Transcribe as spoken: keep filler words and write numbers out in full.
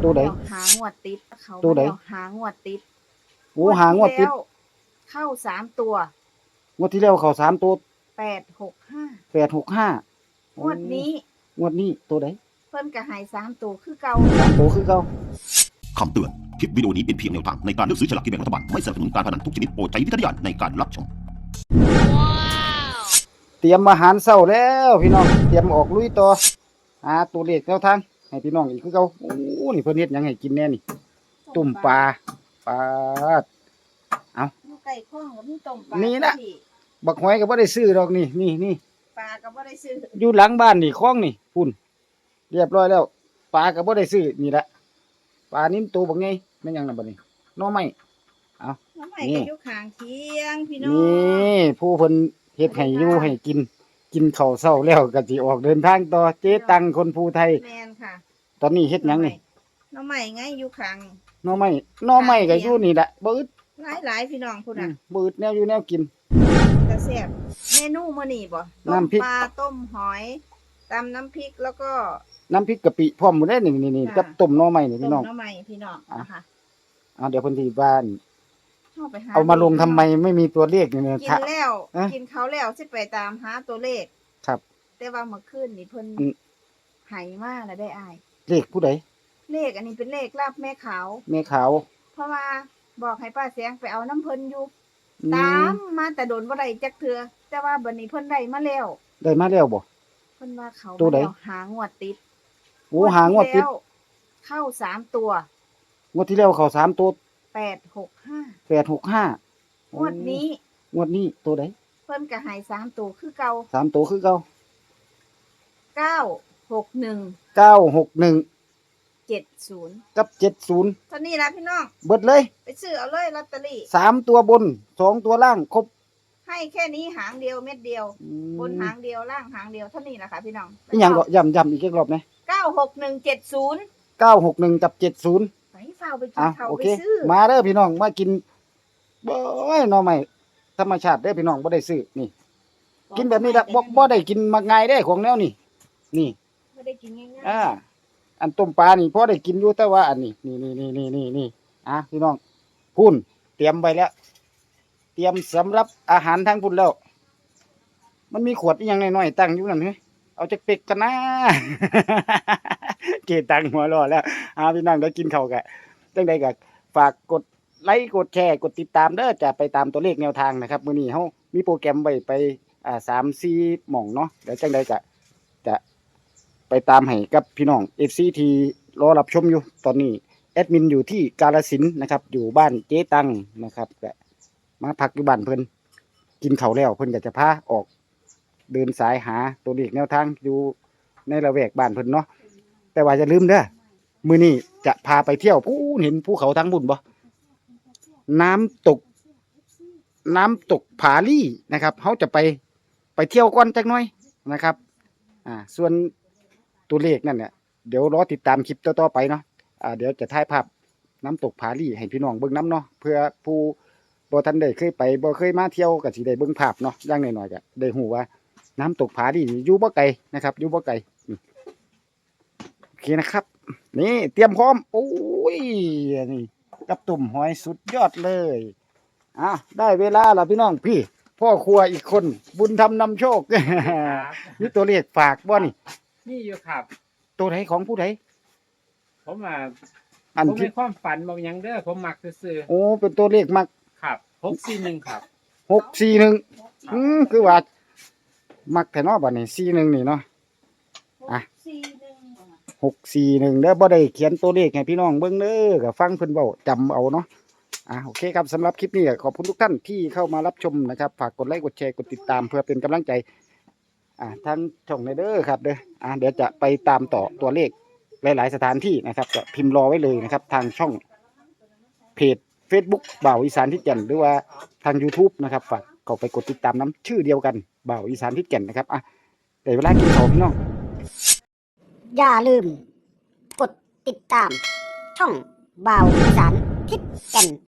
ตัวใดแล้วหางวดติดเขาตัวใดแล้วหางวดติดโอ้หางวดติดแล้วเข้าสามตัวงวดที่แล้วเข้าสามตัวแปดหกห้าแปดหกห้างวดนี้งวดนี้ตัวใดเพิ่นก็ให้สามตัวคือเก่าสามตัวคือเก่าคำเตือน คลิปวิดีโอนี้เป็นเพียงแนวทางในการเลือกซื้อฉลากกินแบ่งรัฐบาล ไม่สนับสนุนการพนันทุกชนิดโปรดใช้วิจารณญาณในการรับชมเตรียมอาหารเช้าแล้วพี่น้องเตรียมออกลุยต่อหาตัวเลขแนวทางให้พี่น้องอีกคือเก่าโอ้นี่เพิ่นเฮ็ดหยังให้กินแน่นี่ตุ่มปลาปลาอยู่ใกล้คลองก็มีต้มปลานี่นะพี่บักหอยก็บ่ได้ซื้อดอกนี่นี่นี่ปลาก็บ่ได้ซื้ออยู่หลังบ้านนี่คลองนี่พุ่นเรียบร้อยแล้วปลาก็บ่ได้ซื้อนี่ละปลานิ่มตัวบักใหญ่แม่นหยังน่ะบัดนี้หน่อไม้น้ำใหม่นี่ก็อยู่ข้างเคียงพี่น้องนี่ผู้เพิ่นเฮ็ดให้อยู่ให้กิน กินข้าวเช้าแล้วก็สิออกเดินทางต่อเจ๊ตังคนภูไทยแม่นค่ะตอนนี้เฮ็ดหยังนี่น้ำใหม่ไงอยู่ข้างหน่อไม้หน่อไม้ก็อยู่นี่แหละบ่อึดหลายๆพี่น้องพุ่นอืน่ะมบ่อึดแนวอยู่แนวกินแต่แซ่บเมนูมื้อนี้บ่ต้มน้ำพริกปลาต้มหอยตำน้ำพริกแล้วก็น้ำพริกกะปิพร้อมหมดเลยนี่นี่ๆกับต้มหน่อไม้นี่ต้พี่มน้องน้ำใหม่พี่น้องนะคะอ่าเดี๋ยวเพิ่นสิบ้านเข้าไปหาเอามาลงทำไมไม่มีตัวเลขนี่เนี่ยกินถ้าแล้วเอ๊ะกินเขาแล้วสิไปตามหาตัวเลขครับแต่ว่าเมื่อคืนนี่เพิ่นอืมไหมาแล้วได้อายเลขผู้ใดเลขอันนี้เป็นเลขลาบแม่ขาวแม่ขาวเพราะว่าบอกให้ป้าแสงไปเอาน้ำเพิ่นอยู่อืตาม มมาแต่โดนบ่ได้จักเทือแต่ว่าบัดนี้เพิ่นได้มาแล้วได้มาแล้วบ่เพิ่นว่าเขาตัวใดมาแล้วหางวดติดโอ้หางวดติดแล้วเข้าสามตัวงวดที่แล้วเข้าสามตัวแปดหกห้าแปดหกห้างวดนี้งวดนี้ตัวใดเพิ่นก็ให้สามตัวคือเก่าสามตัวคือเก่าเก้าหกหนึ่งเก้าหกหนึ่งเจ็ดศูนย์กับเจ็ดศูนย์เท่านี้ละพี่น้องเบิดเลยไปซื้อเอาเลยลอตเตอรี่สามตัวบนสองตัวล่างครบให้แค่นี้หางเดียวเม็ดเดียวอืมบนหางเดียวล่างหางเดียวเท่านี้แหละค่ะพี่น้องอีหยังก็ย้ำย้ำอีกรอบนะเก้าหกหนึ่งเจ็ดศูนย์เก้าหกหนึ่งกับเจ็ดศูนย์ไปเฝ้าไปกินอ่ะเขาโอไปเคซื้อมาเด้อพี่น้องมากินบ่ยหน่อไม้ธรรมชาติเด้อพี่น้องบ่ได้ซื้อนี่ กินแบบนี้ละบ่บ่ได้กินมักง่ายเด้ของแนวนี้นี่ไม่ได้กินง่ายอ่าอันต้มปลานี่พอได้กินอยู่แต่ว่าอันนี้นี่นี่นี่นี่นี่นี่อ่ะพี่น้องพุ่นเตรียมไว้แล้ว เตรียมสำหรับอาหารทางพุ่นแล้ว มันมีขวดอีหยังน้อยๆตั้งอยู่นั่นเฮ้ยเอาจักเป็กกันนะ เกตังหัวเรอแล้วอ่าพี่น้องได้กินข้าวกะจังใดก็ฝากกดไลค์กดแชร์กดติดตามเด้อจะไปตามตัวเลขแนวทางนะครับมื้อนี้เฮามีโปรแกรมไว้ไปอ่าสามสี่หม่องเนาะเดี๋ยวจังใดก็จะไปตามให้กับพี่น้อง เอฟ ซี ที่รอรับชมอยู่ตอนนี้แอดมินอยู่ที่กาฬสินธุ์นะครับอยู่บ้านเจ๊ตังนะครับก็มาพักอยู่บ้านเพิ่นกินข้าวแล้วเพิ่นก็จะพาออกเดินสายหาตัวเลขแนวทางอยู่ในละแวกบ้านเพิ่นเนาะแต่ว่าจะลืมเด้อมื้อนี้จะพาไปเที่ยวผู้เห็นภูเขาทั้งบุญบ่น้ำตก น้ำตกผาลี่นะครับเขาจะไปไปเที่ยวก่อนจักหน่อยนะครับอ่าส่วนตัวเลขนั่นเนี่ยเดี๋ยวรอติดตามคลิปต่อๆไปเนาะอ่าเดี๋ยวจะถ่ายภาพน้ำตกผาลี่ให้พี่น้องเบิ่งน้ำเนาะเพื่อผู้บ่ทันได้เคยไปบ่เคยมาเที่ยวก็สิได้เบิ่งภาพเนาะอย่างน้อยๆก็ได้ฮู้ว่าน้ำตกผาลี่นี่อยู่บ่ไกลนะครับอยู่บ่ไกลนี่โอเคนะครับ นี่เตรียมพร้อมโอ้ยนี่กับตุ่มหอยสุดยอดเลยอ่ะได้เวลาแล้วพี่น้องพี่พ่อครัวอีกคนบุญทำนำโชค นี่ตัวเลขฝากบ่นี่นี่อยู่ครับตัวไหนของผู้ใดผมอ่ะอันผมที่มีความฝันบางอย่างเด้อผมมักซื้อโอ้เป็นตัวเลขมักๆครับหกสี่หนึ่งครับหกสี่หนึ่งอืมคือว่า มักแต่เนอบัดนี้สี่หนึ่งนี่เนาะ อ่ะสี่หนึ่งหกสี่หนึ่งเด้อบ่ได้เขียนตัวเลขให้พี่น้องเบิ่งเด้อก็ฟังเพิ่นเว้าจำเอาเนาะอ่ะโอเคครับสำหรับคลิปนี้ก็ขอบคุณทุกท่านที่เข้ามารับชมนะครับฝากกดไลค์กดแชร์กดติดตามเพื่อเป็นกำลังใจ อ่าทางช่องในเด้อครับเด้ออ่าเดี๋ยวจะไปตามต่อตัวเลขหลาย ๆ สถานที่นะครับจะพิมพ์รอไว้เลยนะครับ ทางช่องเพจ Facebook บ่าวอีสานทิศแก่นหรือว่าทาง YouTube นะครับฝากเข้าไปกดติดตามน้ำชื่อเดียวกันบ่าวอีสานทิศแก่นนะครับอ่ะเดี๋ยวเวลากินข้าวพี่น้องอย่าลืม กดติดตาม ช่องบ่าวอีสานทิศแก่น